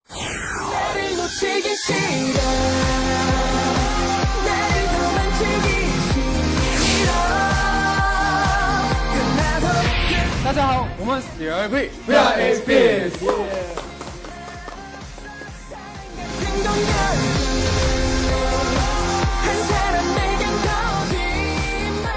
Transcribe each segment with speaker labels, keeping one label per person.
Speaker 1: 나를 놓치기 싫어 나를 도망치기 싫어 끝나도
Speaker 2: 大家好，我们是第二季
Speaker 3: We are XPS.
Speaker 1: 같은 동력 한 사람에겐 거짓말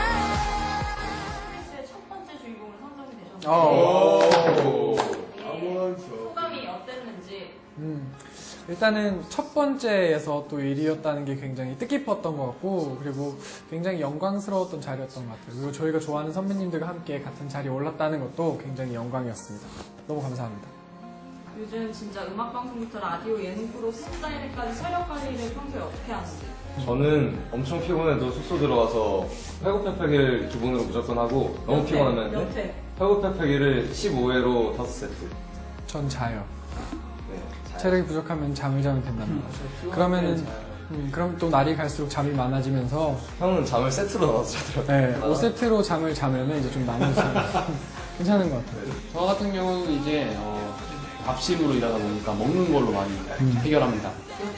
Speaker 4: 첫 번째 주인공으로 선정이 되셨는데 소감이 어땠는지.
Speaker 2: 일단은 첫 번째에서 또 1위였다는 게 굉장히 뜻깊었던 것 같고, 그리고 굉장히 영광스러웠던 자리였던 것 같아요. 그리고 저희가 좋아하는 선배님들과 함께 같은 자리에 올랐다는 것도 굉장히 영광이었습니다. 너무 감사합니다.
Speaker 4: 요즘 진짜 음악방송부터 라디오, 예능 프로, 스타일까지 서력 관리를 평소에 어떻게 하는지.
Speaker 3: 저는 엄청 피곤해도 숙소 들어가서 팔굽혀펴기를 기본으로 무조건 하고 너무
Speaker 4: 몇
Speaker 3: 피곤하면
Speaker 4: 회?
Speaker 3: 팔굽혀펴기를 15회로 5세트.
Speaker 2: 전 자요.
Speaker 3: 네,
Speaker 2: 체력이 부족하면 잠을 자면 된답니다. 그러면은, 그럼 또 날이 갈수록 잠이 많아지면서,
Speaker 3: 형은 잠을 세트로 넣어서 자더라고요.
Speaker 2: 네, 5세트로 잠을 자면은 이제 좀 나머지 괜찮은 것 같아요.
Speaker 5: 저 같은 경우는 이제 밥심으로 일하다 보니까 먹는 걸로 많이 해결합니다.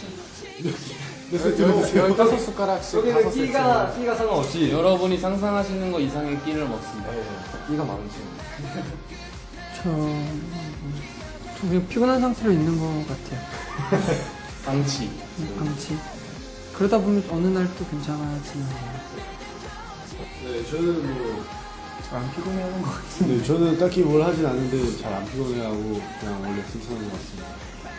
Speaker 2: 15숟가락씩
Speaker 3: 여기는 끼가 상관없이
Speaker 5: 여러분이 상상하시는 것 이상의 끼를 먹습니다.
Speaker 3: 끼가 많으시네.
Speaker 6: 저 그냥 피곤한 상태로 있는 것 같아요.
Speaker 5: 방치.
Speaker 6: 방치. 그러다 보면 어느 날 또 괜찮아지는 거예요.
Speaker 7: 네, 저는 뭐,
Speaker 2: 잘 안 피곤해하는 것 같아요.
Speaker 7: 네, 저는 딱히 뭘 하진 않는데 잘 안 피곤해하고 그냥 원래 괜찮은 것 같습니다.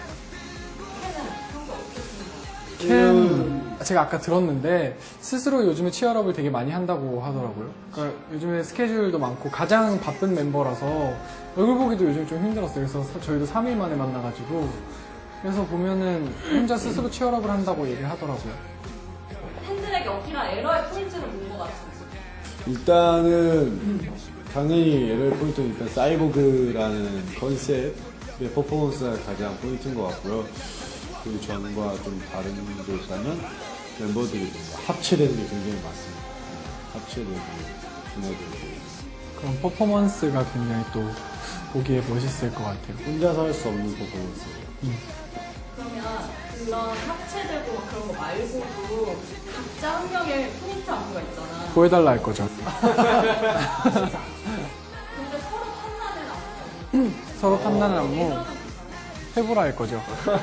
Speaker 2: 캠 제가 아까 들었는데 스스로 요즘에 치얼업을 되게 많이 한다고 하더라고요. 그러니까 요즘에 스케줄도 많고 가장 바쁜 멤버라서 얼굴 보기도 요즘 좀 힘들었어요. 그래서 저희도 3일 만에 만나가지고 그래서 보면은 혼자 스스로 치얼업을 한다고 얘기를 하더라고요.
Speaker 4: 팬들에게 어필한 에러의 포인트를 본 것 같은데.
Speaker 7: 일단은 당연히 LL 포인트는 일단 사이보그라는 컨셉의 퍼포먼스가 가장 포인트인 것 같고요. 그리고 전과 좀 다른 게 있다면 멤버들이 뭔가 합체되는 게 굉장히 많습니다. 합체되고 분해되고
Speaker 2: 그런 퍼포먼스가 굉장히 또 보기에 멋있을 것 같아요.
Speaker 7: 혼자서 할 수 없는 퍼포먼스예요.
Speaker 4: 그러면 그런 합체되고 막 그런 거 말고도 각자 한 명의 포인트 안무가 있잖아.
Speaker 2: 보여달라 할 거죠.
Speaker 4: 근데 서로 탐나는 안무.
Speaker 2: 서로 탐나는 안무 해보라 할 거죠.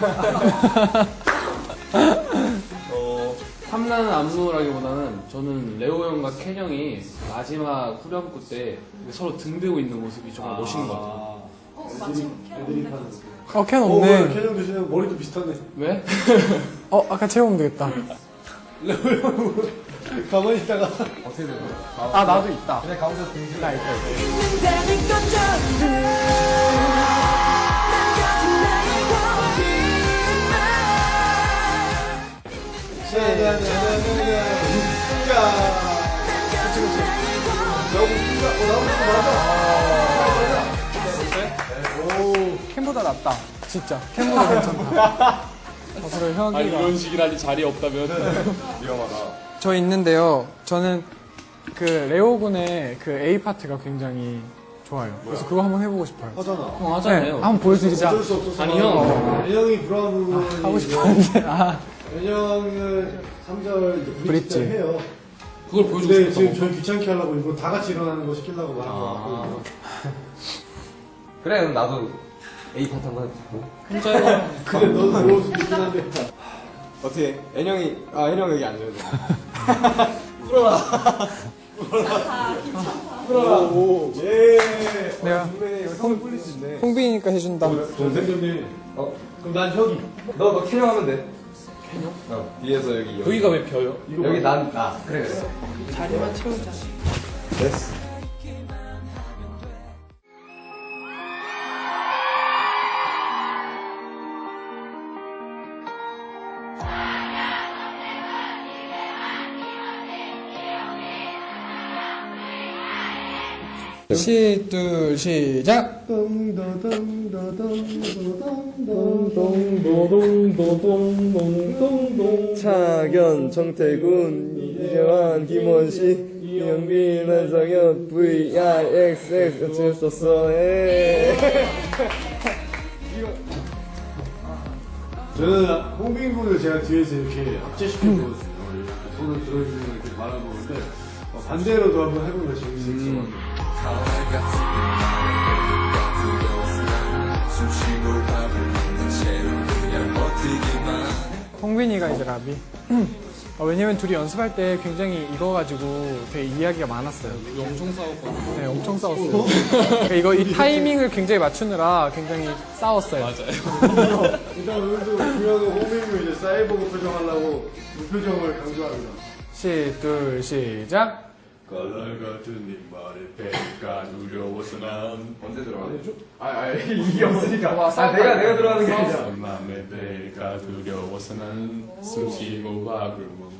Speaker 5: 탐나는 안무라기보다는 저는 레오 형과 켄 형이 마지막 후렴구 때 서로 등 대고 있는 모습이 정말 멋있는 것 같아요.
Speaker 4: 마침
Speaker 7: 애들이
Speaker 4: 캐럿인데.
Speaker 7: 파는
Speaker 2: 캔
Speaker 7: 오,
Speaker 2: 없네.
Speaker 7: 캐년 교수님 머리도 비슷하네.
Speaker 5: 왜?
Speaker 2: 아까 채우면 되겠다.
Speaker 7: 가만히 있다가
Speaker 3: 어떻게 되는 거야?
Speaker 2: 아, 나도 있다.
Speaker 3: 그냥 가운데 등지
Speaker 2: 나 있다.
Speaker 1: 있는다는 건 전부 남겨진 나의 거짓말
Speaker 2: 캔보다 낫다. 진짜. 캔보다 괜찮다. 그래, 혁이가.
Speaker 5: 식이라니 자리 없다면.
Speaker 3: 위험하다.
Speaker 2: 저 있는데요. 저는 그 레오 군의 그 A 파트가 굉장히 좋아요. 그래서 그거 한번 해보고 싶어요.
Speaker 7: 하잖아.
Speaker 5: 형 하잖아요.
Speaker 2: 한번 보여드리자.
Speaker 7: 어쩔 수 없어서.
Speaker 5: 아니, 형.
Speaker 7: 애형이 불안한 부분이
Speaker 2: 하고 싶었는데.
Speaker 7: 애형은 3절 이제
Speaker 2: 브릿지.
Speaker 7: 브릿지 해요.
Speaker 5: 그걸 보여주고
Speaker 7: 근데 지금
Speaker 5: 싶다고.
Speaker 7: 저희 귀찮게 하려고 일부러 다 같이 일어나는 거 시키려고 말한 거 같고.
Speaker 3: 그래, 그럼 나도 A 파트 한번 해보고.
Speaker 7: 그래, 너도 그럴 수도 있긴 한데.
Speaker 3: 어떻게? 애형이, 애형 여기 앉아야 돼.
Speaker 7: 오, 예.
Speaker 2: 내가
Speaker 3: 형을 불릴 수 있네.
Speaker 2: 홍빈이니까 해준다.
Speaker 7: 선생님이. 그럼 난 혁이.
Speaker 3: 너 캐형 하면 돼. 캐형? 뒤에서 여기.
Speaker 5: 여기가 왜 벼요?
Speaker 3: 여기 나. 그래.
Speaker 6: 자리만 채우자.
Speaker 3: 됐어.
Speaker 2: 둘, 시작!
Speaker 8: 차견, 정태군, 이재환, 김원식, 이영빈, 한성현, VIXX 어쩔 수 없어.
Speaker 7: 저는 홍빈 군을 제가 뒤에서 이렇게 합체시켰거든요. 이렇게 손을 들어주면 이렇게 바라보는데 반대로도 한번 해보면 재밌을 것 같아요.
Speaker 2: 홍빈이가 이제 라비. 왜냐면 둘이 연습할 때 굉장히 이거 가지고 되게 이야기가 많았어요.
Speaker 5: 엄청 싸웠거든요.
Speaker 2: 네, 엄청 싸웠어요. 그러니까 이 타이밍을 굉장히 맞추느라 굉장히 싸웠어요.
Speaker 5: 맞아요.
Speaker 7: 일단 오늘도 중요한 건 홍빈 군 이제 사이버그 표정하려고 무표정을 강조합니다.
Speaker 2: 둘, 시작.
Speaker 7: 깔랄 같은 네 말에 배가 두려워서 난
Speaker 3: 언제 들어가요?
Speaker 7: 이게 없으니까.
Speaker 3: 내가 들어가는 게 아니라.
Speaker 7: 맘에 배가 두려워서 난 숨쉬고 밥을 먹고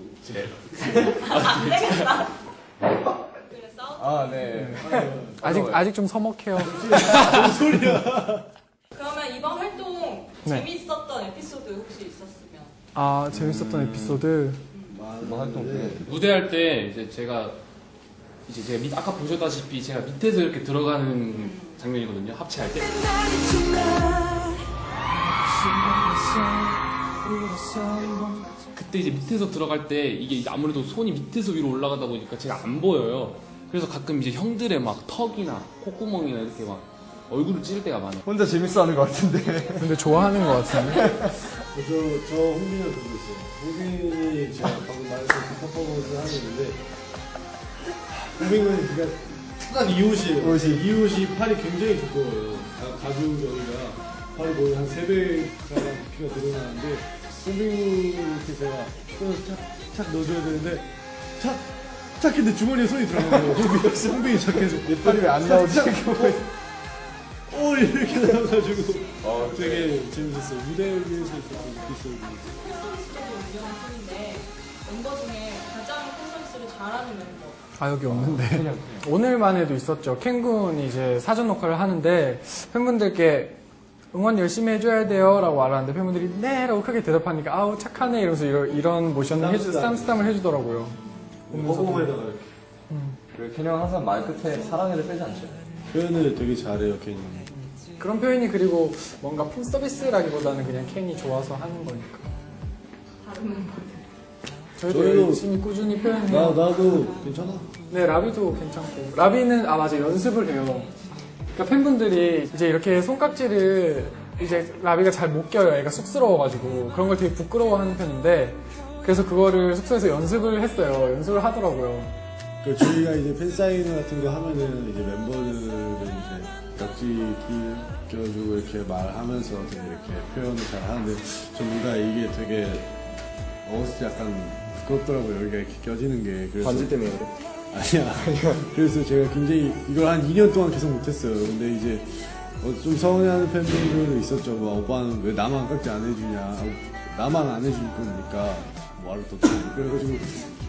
Speaker 3: 아, 네.
Speaker 2: 아직 좀 서먹해요.
Speaker 4: 그러면 이번 활동
Speaker 2: 네.
Speaker 4: 재밌었던 에피소드 혹시 있었으면?
Speaker 2: 아, 재밌었던 에피소드.
Speaker 3: 뭐 활동 중에.
Speaker 5: 무대할 때 이제 제가 아까 보셨다시피 제가 밑에서 이렇게 들어가는 장면이거든요. 합체할 때. 그때 이제 밑에서 들어갈 때 이게 아무래도 손이 밑에서 위로 올라가다 보니까 제가 안 보여요. 그래서 가끔 이제 형들의 막 턱이나 콧구멍이나 이렇게 막 얼굴을 찌를 때가 많아요.
Speaker 3: 혼자 재밌어하는 것 같은데.
Speaker 2: 근데 좋아하는 것 같은데.
Speaker 7: 저 홍빈이랑 들고 있어요. 홍빈이 제가 방금 말했던 그 퍼포먼스 하고 있는데 홍빈은 그러니까 딱 이 옷이에요. 이 옷이 팔이 굉장히 두꺼워요. 가죽 여기가 팔이 거의 한 3배가량 피가 늘어나는데 홍빈이 이렇게 제가 착 넣어줘야 되는데 착 근데 주머니에 손이 들어가는 거예요. 홍빈이 착해서 내 팔이 왜 안 나오지? 이렇게 나와가지고 되게 재밌었어요. 무대를 위해서 있었던 에피소드.
Speaker 4: 콘서트적인 운영을 하는데 멤버 중에 가장 콘서트를 잘하는 멤버.
Speaker 2: 아, 여기 없는데. 오늘만 해도 있었죠. 캔군이 이제 사전 녹화를 하는데 팬분들께 응원 열심히 해줘야 돼요 라고 말하는데 팬분들이 네 라고 크게 대답하니까 아우 착하네 이러면서 이런 모션을 쌈스tam을 해주더라고요.
Speaker 7: 허공에다가 이렇게
Speaker 3: 그리고 캐년 항상 말 끝에 사랑해를 빼지 않죠.
Speaker 7: 표현을 되게 잘해요, 캔이.
Speaker 2: 그런 표현이 그리고 뭔가 팬 서비스라기보다는 그냥 캔이 좋아서 하는 거니까.
Speaker 4: 다른 멤버들.
Speaker 2: 저희도
Speaker 7: 저희도-
Speaker 2: 열심히 꾸준히 표현해요.
Speaker 7: 나도 괜찮아.
Speaker 2: 네, 라비도 괜찮고. 라비는, 맞아, 연습을 해요. 그러니까 팬분들이 이제 이렇게 손깍지를 이제 라비가 잘 못 껴요. 애가 쑥스러워가지고. 그런 걸 되게 부끄러워하는 편인데, 그래서 그거를 숙소에서 연습을 했어요. 연습을 하더라고요.
Speaker 7: 저희가 이제 팬사인 같은 거 하면은 이제 멤버들은 이제 깍지 껴주고 이렇게 말하면서 되게 이렇게 표현을 잘 하는데 전부가 이게 되게 어렸을 때 약간 부끄럽더라고요. 여기가 이렇게 껴지는 게. 그래서
Speaker 3: 반지 때문에 그래?
Speaker 7: 아니야. 그래서 제가 굉장히 이걸 한 2년 동안 계속 못했어요. 근데 이제 좀 서운해하는 팬분들도 있었죠. 뭐 오빠는 왜 나만 깍지 안 해주냐. 나만 안 해줄 거니까 뭐하러 또 그래가지고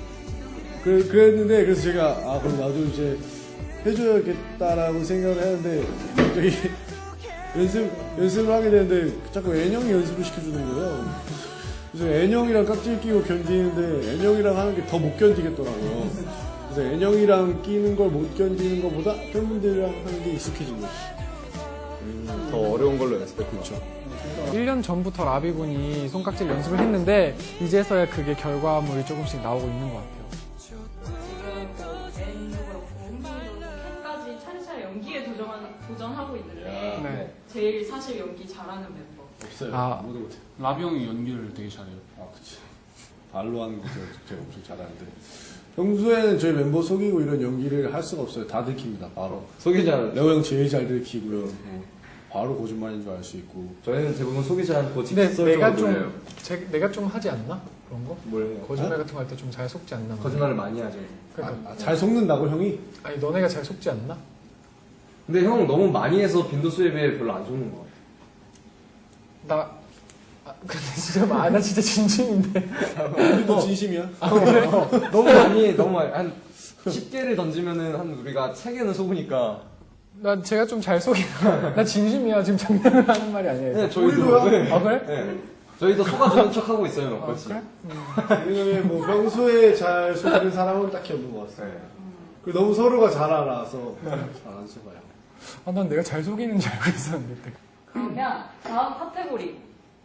Speaker 7: 그랬는데 그래서 제가 그럼 나도 이제 해줘야겠다라고 생각을 했는데 갑자기 연습을 하게 되는데 자꾸 애녕이 연습을 시켜주는 거예요. 그래서 애녕이랑 깍지 끼고 견디는데 애녕이랑 하는 게 더 못 견디겠더라고요. 그래서 애녕이랑 끼는 걸 못 견디는 것보다 팬분들이랑 하는 게 익숙해진 거지.
Speaker 3: 더 어려운 걸로 연습해. 그렇죠.
Speaker 2: 1년 전부터 라비군이 손깍지를 연습을 했는데, 이제서야 그게 결과물이 조금씩 나오고 있는 것 같아요.
Speaker 4: 지금 뭐 벤도 그렇고 홍빈이도 그렇고 캔까지 차례차례 연기에 도전하고 있는데
Speaker 2: 네.
Speaker 4: 제일 사실 연기 잘하는 멤버.
Speaker 7: 없어요.
Speaker 2: 아.
Speaker 7: 모두 못해.
Speaker 5: 라비 형이 연기를 되게 잘해요.
Speaker 7: 그치. 발로 하는 거 제가 엄청 잘하는데. 평소에는 저희 member 속이고 이런 연기를 할 수가 없어요. 다 들킵니다, 바로.
Speaker 3: 속이지 않아요.
Speaker 7: 레오 형 제일 잘 들키고요. 바로 거짓말인 줄 알 수 있고.
Speaker 3: 저희는 대부분 속이지 않고
Speaker 2: 근데
Speaker 3: 직설적으로 놀려요.
Speaker 2: 내가 좀 하지 않나? 그런 거?
Speaker 3: 뭘 해요?
Speaker 2: 거짓말 같은 거 할 때 좀 잘 속지 않나?
Speaker 3: 거짓말을 많이 하죠.
Speaker 2: 그러니까.
Speaker 7: 잘 속는다고, 형이?
Speaker 2: 아니, 너네가 잘 속지 않나?
Speaker 3: 근데 형 너무 많이 해서 빈도수에 비해 별로 안 속는 거 같아요.
Speaker 2: 근데 진짜, 나 진짜 진심인데.
Speaker 7: 너 진심이야?
Speaker 3: 너무 많이 한 10개를 던지면은 한 우리가 3개는 속으니까.
Speaker 2: 난 제가 좀 잘 속이나. 나 진심이야. 지금 장난을 하는 말이 아니에요.
Speaker 3: 네, 저희도. 네.
Speaker 2: 아, 그래?
Speaker 3: 네. 저희도 속아주는 척 하고 있어요, 몇
Speaker 2: 아,
Speaker 3: 번씩.
Speaker 2: 그래?
Speaker 7: 왜냐면 뭐 평소에 잘 속이는 사람은 딱히 없는 것 같아요.
Speaker 3: 네.
Speaker 7: 그리고 너무 서로가 잘 알아서 잘 안 속아요.
Speaker 2: 난 내가 잘 속이는 줄 알고 있었는데.
Speaker 4: 그러면 다음 카테고리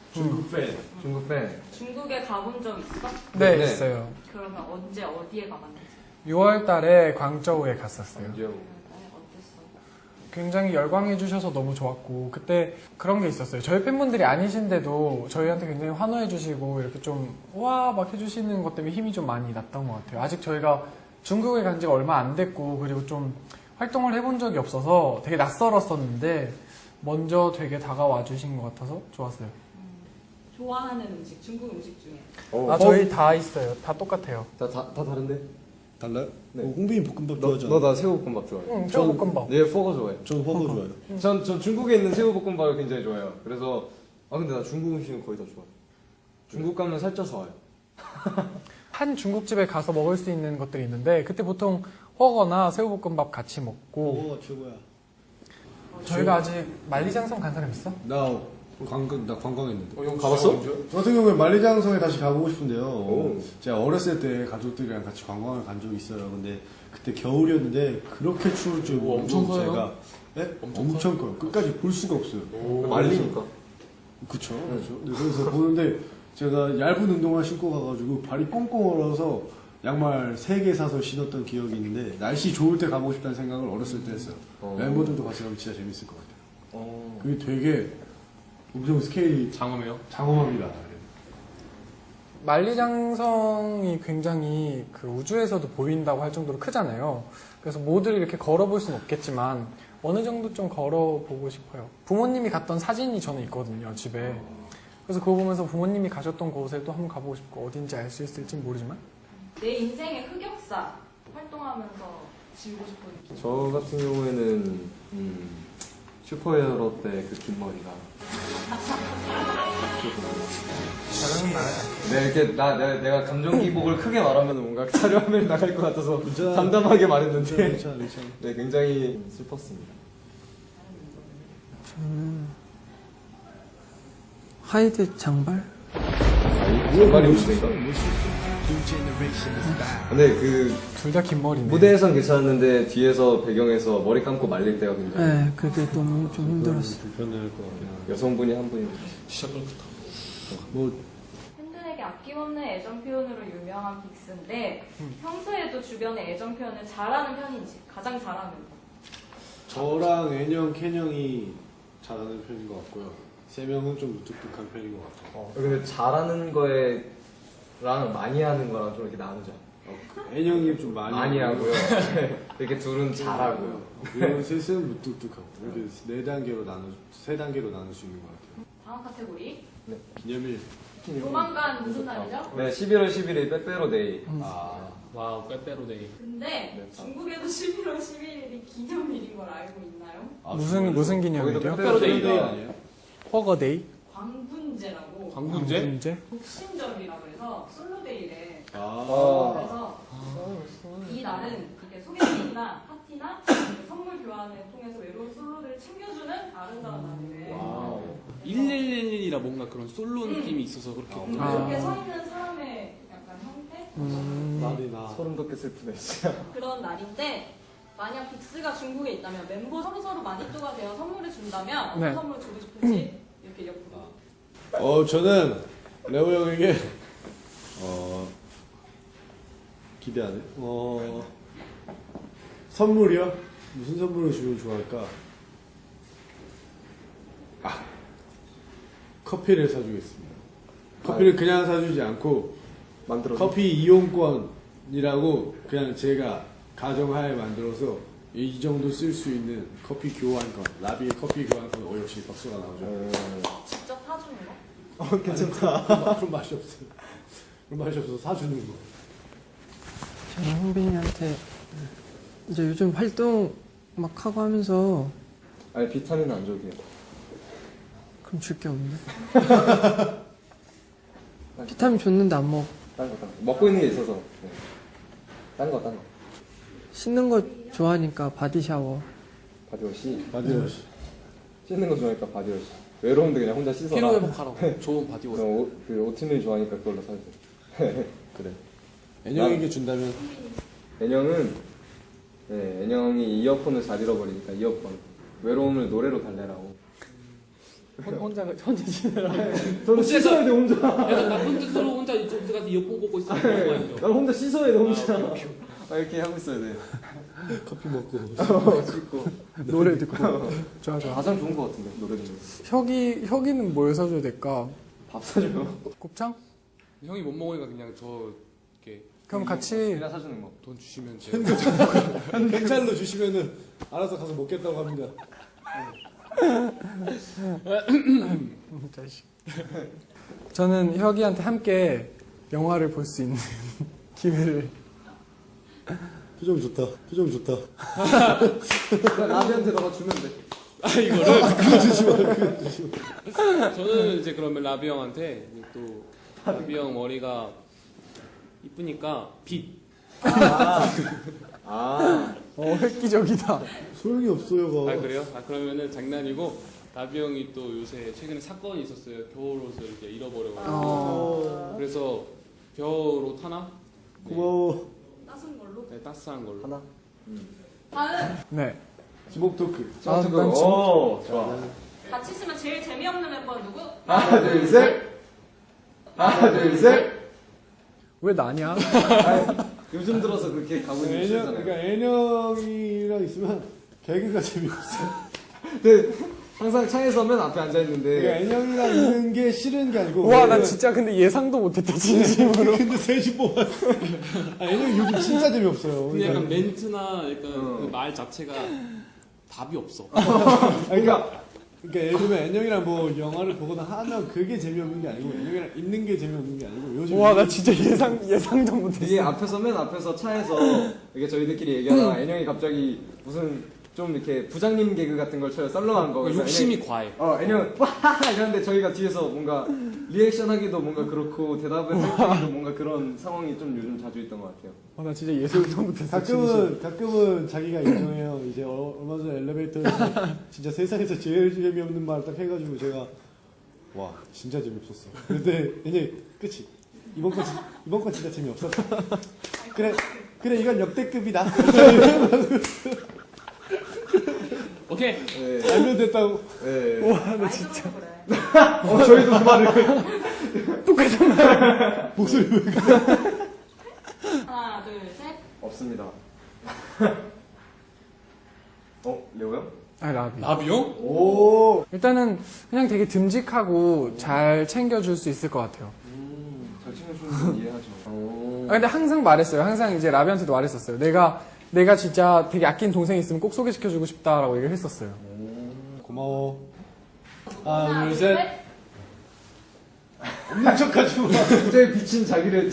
Speaker 7: 중국 팬.
Speaker 3: 중국 팬.
Speaker 4: 중국에 가본 적 있어?
Speaker 2: 네,
Speaker 3: 네.
Speaker 2: 있어요.
Speaker 4: 그러면 언제 어디에 가봤는지?
Speaker 2: 6월 달에 광저우에 갔었어요.
Speaker 3: 이제
Speaker 4: 어땠어?
Speaker 2: 굉장히 열광해 주셔서 너무 좋았고 그때 그런 게 있었어요. 저희 팬분들이 아니신데도 저희한테 굉장히 환호해 주시고 이렇게 좀 와 막 해주시는 것 때문에 힘이 좀 많이 났던 것 같아요. 아직 저희가 중국에 간 지가 얼마 안 됐고 그리고 좀 활동을 해본 적이 없어서 되게 낯설었었는데 먼저 되게 다가와 주신 것 같아서 좋았어요.
Speaker 4: 좋아하는 음식, 중국 음식 중에.
Speaker 2: 저희 다 있어요. 다 똑같아요.
Speaker 3: 다 다른데?
Speaker 7: 달라요?
Speaker 3: 네.
Speaker 7: 홍빈이 볶음밥
Speaker 3: 너
Speaker 7: 좋아하잖아.
Speaker 3: 나 새우볶음밥 좋아해.
Speaker 2: 응, 새우볶음밥.
Speaker 3: 얘 포거 좋아해.
Speaker 7: 전 허거 좋아해요.
Speaker 3: 전 중국에 있는 새우볶음밥을 굉장히 좋아해요. 그래서 근데 나 중국 음식은 거의 다 좋아해. 중국 가면 살쪄서 와요.
Speaker 2: 한 중국집에 가서 먹을 수 있는 것들이 있는데 그때 보통 허거나 새우볶음밥 같이 먹고
Speaker 7: 허거가 최고야.
Speaker 2: 저희가 아직 만리장성 간 사람 있어?
Speaker 7: 나 관광했는데.
Speaker 3: 형 가봤어?
Speaker 7: 저 같은 경우에 만리장성에 다시 가보고 싶은데요.
Speaker 3: 오.
Speaker 7: 제가 어렸을 때 가족들이랑 같이 관광을 간 적이 있어요. 근데 그때 겨울이었는데 그렇게 추울 줄 모르고
Speaker 5: 엄청 커요?
Speaker 7: 제가 네? 엄청 커요. 끝까지 볼 수가 없어요.
Speaker 3: 말리니까.
Speaker 7: 그쵸. 그렇죠. 네, 그래서 보는데 제가 얇은 운동화 신고 가가지고 발이 꽁꽁 얼어서 양말 3개 사서 신었던 기억이 있는데 날씨 좋을 때 가보고 싶다는 생각을 어렸을 때 했어요. 멤버들도 같이 가면 진짜 재밌을 것 같아요. 그게 되게 엄청 스케일이
Speaker 5: 장엄해요?
Speaker 7: 장엄합니다.
Speaker 2: 만리장성이 굉장히 그 우주에서도 보인다고 할 정도로 크잖아요. 그래서 모두 이렇게 걸어볼 수는 없겠지만 어느 정도 좀 걸어보고 싶어요. 부모님이 갔던 사진이 저는 있거든요, 집에. 그래서 그거 보면서 부모님이 가셨던 곳에 또 한번 가보고 싶고 어딘지 알 수 있을지 모르지만
Speaker 4: 내 인생의 흑역사 활동하면서 지우고 싶은 느낌.
Speaker 3: 저 같은 경우에는 슈퍼히어로 때 그 긴 머리가.
Speaker 2: 다른 말
Speaker 3: 네, 이렇게 내가 감정 기복을 크게 말하면 뭔가 촬영을 나갈 것 같아서
Speaker 7: 괜찮아.
Speaker 3: 담담하게 말했는데
Speaker 7: 괜찮아.
Speaker 3: 네, 굉장히 슬펐습니다.
Speaker 6: 하이드 장발?
Speaker 3: 장발이 없으니까. 근데 그
Speaker 2: 둘 다 긴 머리네.
Speaker 3: 무대에선 괜찮았는데 뒤에서 배경에서 머리 감고 말릴 때가 굉장히
Speaker 6: 네, 그게 너무 좀 힘들었어요.
Speaker 7: 불편할 것 같아요.
Speaker 3: 여성분이 한 분이
Speaker 5: 시작부터.
Speaker 7: 뭐
Speaker 4: 팬들에게 아낌없는 애정 표현으로 유명한 빅스인데 평소에도 주변에 애정 표현을 잘하는 편인지 가장 잘하는 편.
Speaker 7: 저랑 애녕, 캔형이 잘하는 편인 것 같고요. 3명은 좀 무뚝뚝한 편인 것 같아요.
Speaker 3: 근데 잘하는 거랑 많이 하는 거랑 좀 이렇게 나누자.
Speaker 7: 애녕이 좀 많이
Speaker 3: 하고요. 이렇게 둘은 잘하고요.
Speaker 7: 그리고 셋은 무뚝뚝하고 이렇게 3단계로 나눌 수 있는 것 같아요.
Speaker 4: 다음 카테고리.
Speaker 7: 기념일.
Speaker 4: 조만간 무슨 날이죠?
Speaker 3: 네, 11월 11일 빼빼로 데이.
Speaker 5: 와우, 빼빼로데이.
Speaker 4: 근데
Speaker 3: 네,
Speaker 4: 중국에도 11월 11일이 기념일인 걸 알고 있나요?
Speaker 2: 무슨
Speaker 3: 거기도
Speaker 2: 기념일이요?
Speaker 3: 빼빼로 데이가
Speaker 7: 아니에요?
Speaker 2: 허거데이?
Speaker 4: 광분제라고
Speaker 5: 광분제?
Speaker 2: 문제?
Speaker 4: 독신절이라고 해서 솔로데이래.
Speaker 3: 아.
Speaker 4: 그래서 이 날은 이렇게 소개팅이나 파티나 선물 교환을 통해서 외로운 솔로들을 챙겨주는 아름다운 날이래.
Speaker 5: 1111이라 뭔가 그런 솔로 느낌이 있어서 그렇게.
Speaker 4: 이렇게 서 있는 사람의 약간 형태?
Speaker 7: 날이 나.
Speaker 3: 소름 돋게 슬프네, 진짜.
Speaker 4: 그런 날인데 만약 빅스가 중국에 있다면 멤버 서로 마니또가 되어 선물을 준다면 어떤
Speaker 2: 네.
Speaker 4: 선물을 주고 싶은지 이렇게 옆으로.
Speaker 7: 저는 레오 형에게 기대하네. 선물이요? 무슨 선물을 주면 좋아할까? 커피를 사주겠습니다. 커피를 그냥 사주지 않고
Speaker 3: 만들어서.
Speaker 7: 커피 이용권이라고 그냥 제가 가정하에 만들어서 이 정도 쓸 수 있는 커피 교환권, 라비의 커피 교환권, 역시 박수가 나오죠.
Speaker 4: 직접 사주는 거?
Speaker 7: 괜찮다. 그런 맛이 없어요. 그런 맛이 없어서 사주는 거.
Speaker 6: 저는 홍빈이한테 이제 요즘 활동 막 하고 하면서
Speaker 3: 아니, 비타민은 안 줘도 돼요.
Speaker 6: 그럼 줄 게 없는데? 비타민 줬는데 안 먹어.
Speaker 3: 딴 거. 먹고 있는 게 있어서. 네. 딴 거.
Speaker 6: 씻는 거 좋아하니까 바디 샤워.
Speaker 3: 바디워시.
Speaker 7: 바디워시.
Speaker 3: 씻는 거 좋아하니까 바디워시. 외로운데 그냥 혼자 씻어라.
Speaker 5: 피로 회복하라고. 좋은 바디워시.
Speaker 3: 그 오트밀 좋아하니까 그걸로 사주세요. 그래.
Speaker 7: 애녕에게 준다면
Speaker 3: 애녕이 이어폰을 잘 잃어버리니까 이어폰. 외로움을 노래로 달래라고.
Speaker 2: 혼자 지내라.
Speaker 3: 저는 씻어야 돼 혼자.
Speaker 5: 약간 나쁜 뜻으로 혼자 이쪽 가서 이어폰 꽂고 있으면 그런 거 아니죠?
Speaker 3: 난 혼자 씻어야 돼 혼자. 이렇게 하고 있어야 돼.
Speaker 7: 커피 먹고.
Speaker 3: 씻고.
Speaker 2: 노래 듣고. 좋아.
Speaker 3: 가장 좋은 것 같은데 노래 듣는.
Speaker 2: 혁이는 뭘 사줘야 될까?
Speaker 3: 밥 사줘요.
Speaker 2: 곱창?
Speaker 5: 형이 못 먹으니까 그냥 저 이렇게
Speaker 2: 그럼 같이
Speaker 3: 그냥 사주는 거.
Speaker 5: 돈 주시면 제가
Speaker 7: 현찰로 주시면은 알아서 가서 먹겠다고 합니다.
Speaker 2: 자식. 저는 혁이한테 함께 영화를 볼 수 있는 기회를.
Speaker 7: 표정 좋다. 표정 좋다.
Speaker 3: 라비한테 너가 주면 돼.
Speaker 5: 이거를 저는 이제 그러면 라비 형한테 이제 또 라비 형 머리가 이쁘니까 빛.
Speaker 2: 획기적이다.
Speaker 7: 소용이 없어요.
Speaker 5: 아 그래요? 아 그러면은 장난이고 라비 형이 또 요새 최근에 사건이 있었어요. 겨울 옷을 이렇게 잃어버려가지고 그래서 겨울 옷 하나? 네.
Speaker 7: 고마워.
Speaker 4: 따순 걸로.
Speaker 5: 네, 따스한 걸로.
Speaker 3: 하나.
Speaker 4: 다음
Speaker 2: 네.
Speaker 7: 지목 토크.
Speaker 2: 난
Speaker 3: 오 좋아.
Speaker 4: 같이 있으면 제일 재미없는 멤버는 누구?
Speaker 3: 하나 둘 셋. 하나 둘 셋.
Speaker 2: 왜 나냐?
Speaker 3: 요즘 들어서 그렇게 가고 있는
Speaker 7: 애녕,
Speaker 3: 시잖아요.
Speaker 7: 그러니까 애녕이랑 있으면 개그가 재미없어.
Speaker 3: 근데 항상 차에서 맨 앞에 앉아
Speaker 7: 그러니까
Speaker 3: 있는데
Speaker 7: 애녕이랑 있는 게 싫은 게 아니고.
Speaker 2: 와, 나 진짜 근데 예상도 못했다, 진심으로.
Speaker 7: 근데 셋이 뽑았어. 애녕이 요즘 진짜 재미없어요.
Speaker 5: 근데 약간
Speaker 7: 그러니까,
Speaker 5: 멘트나 약간 그 말 자체가 답이 없어.
Speaker 7: 그러니까 예를 들면 애녕이랑 뭐 영화를 보거나 하면 그게 재미없는 게 아니고 애녕이랑 있는 게 재미없는 게 아니고 요즘.
Speaker 2: 와, 나 진짜 예상도 못했어.
Speaker 3: 이게 앞에서 맨 앞에서 차에서 이게 저희들끼리 얘기하다가 애녕이 갑자기 무슨 좀 이렇게 부장님 개그 같은 걸 쳐요. 썰렁한 거. 그래서
Speaker 5: 욕심이 과해.
Speaker 3: 애녕 와 이러는데 저희가 뒤에서 뭔가 리액션하기도 뭔가 그렇고 대답을 하기도 뭔가 그런 상황이 좀 요즘 자주 있던 것 같아요.
Speaker 2: 나 진짜 예상도 못했어. 진심.
Speaker 7: 가끔은 자기가 인정해요. 이제 얼마 전에 엘리베이터에서 진짜 세상에서 제일 재미없는 말 딱 해가지고 제가 와 진짜 재미없었어. 근데 이제 끝이 이번 건 진짜 재미없었어. 그래 이건 역대급이다.
Speaker 5: 오케이.
Speaker 3: 네.
Speaker 7: 알면 됐다고.
Speaker 3: 네.
Speaker 2: 와, 나 진짜.
Speaker 4: 그래.
Speaker 3: 저희도 그 말을
Speaker 7: 목소리 왜
Speaker 4: 하나, 둘, 셋.
Speaker 3: 없습니다. 레오 형?
Speaker 2: 아, 라비.
Speaker 5: 라비 형?
Speaker 3: 오.
Speaker 2: 일단은 그냥 되게 듬직하고 잘 챙겨줄 수 있을 것 같아요.
Speaker 3: 잘 챙겨주는 건 이해하죠.
Speaker 2: 아, 근데 항상 말했어요. 항상 이제 라비한테도 말했었어요. 내가 진짜 되게 아낀 동생이 있으면 꼭 소개시켜주고 싶다라고 얘기를 했었어요.
Speaker 7: 고마워.
Speaker 4: 하나,
Speaker 7: 둘,
Speaker 4: 둘,
Speaker 7: 셋.
Speaker 4: 셋.
Speaker 7: 없는 척하지 마.
Speaker 3: 굉장히 비친 자기를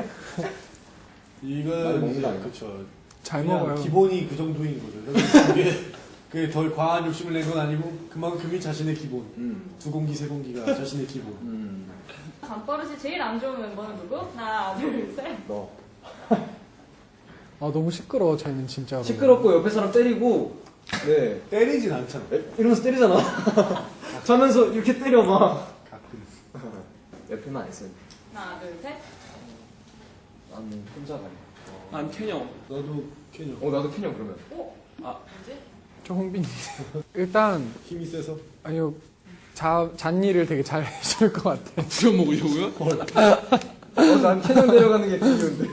Speaker 3: 많이
Speaker 7: 이건
Speaker 3: 먹는 거 아닌가?
Speaker 7: 그렇죠.
Speaker 2: 잘
Speaker 7: 그냥
Speaker 2: 먹어요.
Speaker 7: 기본이 그 정도인 거죠. 그게 덜 과한 욕심을 낸 건 아니고 그만큼이 자신의 기본. 두 공기 세 공기가 자신의 기본.
Speaker 4: 잠버릇이 제일 안 좋은 멤버는 누구? 하나, 둘, 셋.
Speaker 3: 너.
Speaker 2: 아, 너무 시끄러워, 쟤는 진짜로.
Speaker 3: 시끄럽고 옆에 사람 때리고 네
Speaker 7: 때리진 않잖아.
Speaker 3: 이러면서 때리잖아. 자면서 이렇게 때려 막.
Speaker 7: 가끔.
Speaker 3: 옆에만 안 있어요.
Speaker 4: 하나, 둘, 셋.
Speaker 3: 나는 혼자 가요.
Speaker 5: 난 캐녕.
Speaker 7: 나도 캐녀.
Speaker 3: 나도 캐녀 그러면.
Speaker 4: 뭐지?
Speaker 2: 저 홍빈인데. 일단,
Speaker 7: 힘이 세서.
Speaker 2: 아니요, 잔일을 되게 잘 해줄 것 같아.
Speaker 5: 부려먹으려고요?
Speaker 3: 난 캐녀 데려가는 게 그이유인데.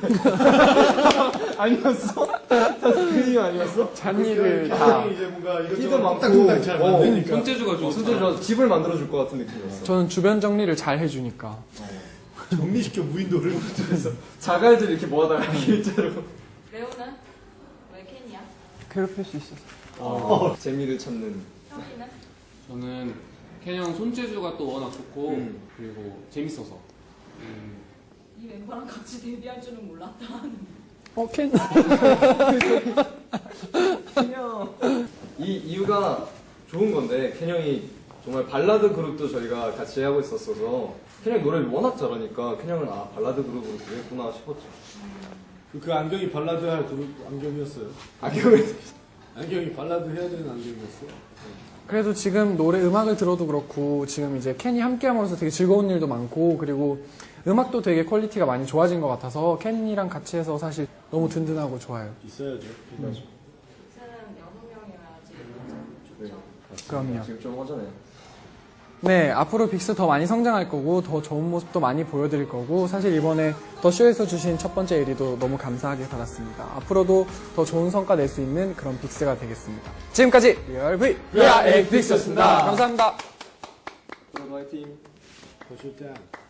Speaker 3: 아니었어? 그 이유 아니었어?
Speaker 2: 잔일을 다.
Speaker 7: 이제 뭔가
Speaker 3: 키도
Speaker 7: 이것저것
Speaker 3: 많고.
Speaker 7: 딱딱딱 잘 만드니까.
Speaker 5: 손재주가 좋아.
Speaker 3: 손재주가 집을 만들어줄 것 같은 느낌이었어.
Speaker 2: 저는 주변 정리를 잘 해주니까.
Speaker 7: 정리시켜 무인도를.
Speaker 3: 자갈들 이렇게 모아다가 일자로.
Speaker 4: 레오는? 왜 캔이야?
Speaker 2: 괴롭힐 수 있어서.
Speaker 3: 재미를 찾는.
Speaker 4: 형이는?
Speaker 5: 저는 캐녕 손재주가 또 워낙 좋고 그리고 재밌어서.
Speaker 4: 이 멤버랑 같이 데뷔할 줄은 몰랐다.
Speaker 2: 캔.
Speaker 3: 캐녀. 이 이유가 좋은 건데 캐녀이 정말 발라드 그룹도 저희가 같이 하고 있었어서 캐녀이 노래를 워낙 잘하니까 캐녀를 발라드 그룹으로 되겠구나 싶었죠.
Speaker 7: 그 안경이 발라드 할 그룹 안경이었어요. 안경이 발라드 해야 되는 안경이었어.
Speaker 2: 그래도 지금 음악을 들어도 그렇고, 지금 이제 캔이 함께 함으로써 되게 즐거운 일도 많고, 그리고 음악도 되게 퀄리티가 많이 좋아진 것 같아서 캔이랑 같이 해서 사실 너무 든든하고 좋아요.
Speaker 7: 있어야죠.
Speaker 4: 셋은 여섯 명이어야지.
Speaker 3: 네.
Speaker 4: 좋죠.
Speaker 2: 그럼요.
Speaker 3: 지금 좀 허전해요.
Speaker 2: 네, 앞으로 빅스 더 많이 성장할 거고 더 좋은 모습도 많이 보여드릴 거고 사실 이번에 더 쇼에서 주신 첫 번째 1위도 너무 감사하게 받았습니다. 앞으로도 더 좋은 성과 낼 수 있는 그런 빅스가 되겠습니다. 지금까지 리얼 V
Speaker 7: We are 빅스였습니다.
Speaker 2: 감사합니다.
Speaker 3: 화이팅!
Speaker 7: 더 좋다.